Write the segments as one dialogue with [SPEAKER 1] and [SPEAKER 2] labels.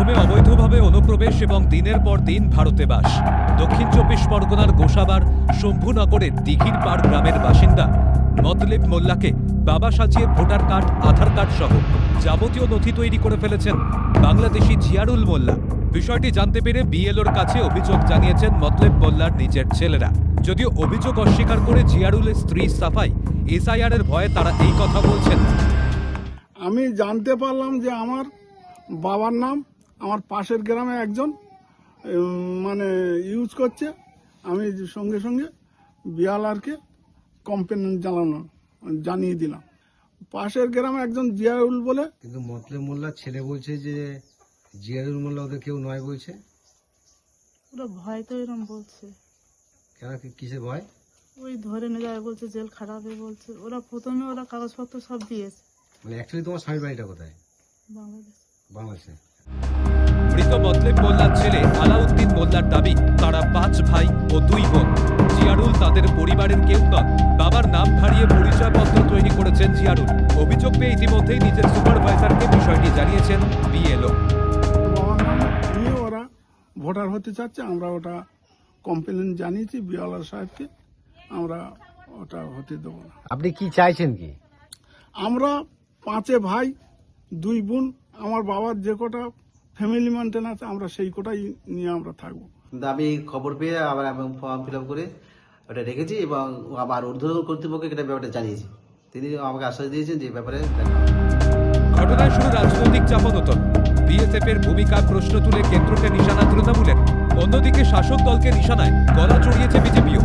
[SPEAKER 1] অসমে অবৈধভাবে অনুপ্রবেশ এবং দিনের পর দিন ভারতে বাস। দক্ষিণ 24 পরগনার গোসাবার শম্ভুনগরের দিঘির পাড় গ্রামের বাসিন্দা মতলেব মোল্লাকে বাবা সাজিয়ে ভোটার কার্ড, আধার কার্ড সহ যাবতীয় নথি তৈরি করে ফেলেছেন বাংলাদেশি জিয়ারুল মোল্লা। বিষয়টি জানতে পেরে বিএলওর কাছে অভিযোগ জানিয়েছেন মতলেব মোল্লার নিজের ছেলেরা। যদিও অভিযোগ অস্বীকার করে জিয়ারুলের স্ত্রী সাফাই এসআইআর এর ভয়ে তারা এই কথা বলছেন।
[SPEAKER 2] আমি জানতে পারলাম যে আমার বাবার নাম আমার পাশের গ্রামে একজন ইউজ করছে। আমি সঙ্গে সঙ্গে বিয়ালারকে কমপ্লেন জানিয়ে দিলাম। পাশের গ্রামে একজন জিয়ারুল বলে,
[SPEAKER 3] কিন্তু মতলেব মোল্লার ছেলে বলছে যে জিয়ারুল মোল্লা ওদের কেউ নয় বলছে।
[SPEAKER 4] ওরা ভয় তো এরকম বলছে।
[SPEAKER 3] কেন, কিসের ভয়?
[SPEAKER 4] ওই ধরে নিয়ে যাবে বলছে, জেল খাটাবে বলছে। প্রথমে ওরা কাগজপত্র সব দিয়েছে।
[SPEAKER 3] মানে অ্যাকচুয়ালি তোমার স্বামীর বাড়িটা কোথায়?
[SPEAKER 4] বাংলাদেশে।
[SPEAKER 1] মৃত মতলেব মোল্লার ছেলে আলাউদ্দিন মোল্লার দাবি তারা 5 ভাই ও 2 বোন। জিয়ারুল তাদের পরিবারের কেউ নয়। বাবার নাম হারিয়ে পরিচয়পত্র তৈরি করেছেন জিয়ারুল। অভিযোগ পেয়ে ইতিমধ্যেই নিজের সুপারভাইজারকে বিষয়টি জানিয়েছেন বিএলও।
[SPEAKER 2] বাবার নাম নিয়ে ওরা ভোটার হতে চাচ্ছে। আমরা ওটা কমপ্লেন জানিয়েছি বিয়ালার সাহেবকে। আমরা ওটা হতে দেবো না।
[SPEAKER 3] আপনি কি চাইছেন কি?
[SPEAKER 2] আমরা 5 ভাই 2 বোন। আমার বাবার যে কটা ফ্যামিলি মেনটেন আছে আমরা সেই কোটাই নিয়ে আমরা থাকবো।
[SPEAKER 5] কিন্তু আমি খবর পেয়ে আবার ফর্ম ফিল আপ করে ওটা রেখেছি এবং আবার ঊর্ধ্বতন কর্তৃপক্ষকে এটা ব্যাপারটা জানিয়েছি। তিনি আমাকে আশ্বাস দিয়েছেন যে ব্যাপারে দেখা হবে।
[SPEAKER 1] ঘটনায় শুরু রাজনৈতিক চাপানোতর। বিএসএফ এর ভূমিকার প্রশ্ন তুলে কেন্দ্রকে নিশানা তৃণমূলের। অন্যদিকে শাসক দলকে নিশানায় গলা চড়িয়েছে বিজেপিও।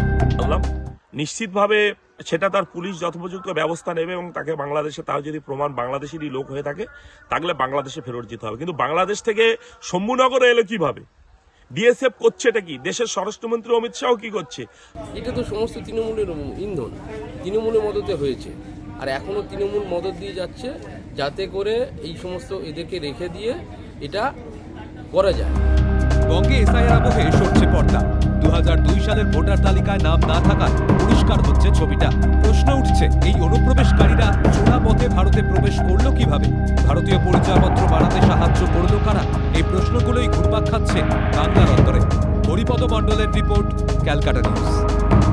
[SPEAKER 6] নিশ্চিতভাবে সেটা তার পুলিশ যথোপযুক্ত ব্যবস্থা নেবে এবং তাকে বাংলাদেশে, তার যদি প্রমাণ বাংলাদেশেরই লোক হয়ে থাকে তাহলে বাংলাদেশে ফেরত যেতে হবে। কিন্তু বাংলাদেশ থেকে শম্ভুনগরে এলো কিভাবে? বিএসএফ করছে এটা কি? দেশের স্বরাষ্ট্রমন্ত্রী অমিত শাহ কি করছে?
[SPEAKER 7] এটা তো সমস্ত তৃণমূলের ইন্ধন, তৃণমূলের মদতে হয়েছে। আর এখনো তৃণমূল মদত দিয়ে যাচ্ছে যাতে করে এই সমস্ত এদেরকে রেখে দিয়ে এটা করা যায়।
[SPEAKER 1] বঙ্গে এসআইআর আবহে সরছে পর্দা। 2002 সালের ভোটার তালিকায় নাম না থাকায় পরিষ্কার হচ্ছে ছবিটা। প্রশ্ন উঠছে, এই অনুপ্রবেশকারীরা চোরা পথে ভারতে প্রবেশ করলো কিভাবে? ভারতীয় পরিচয়পত্র বাড়াতে সাহায্য করলো কারা? এই প্রশ্নগুলোই ঘুরপাক খাচ্ছে বাংলার অন্তরে। হরিপদ মণ্ডলের রিপোর্ট, ক্যালকাটা নিউজ।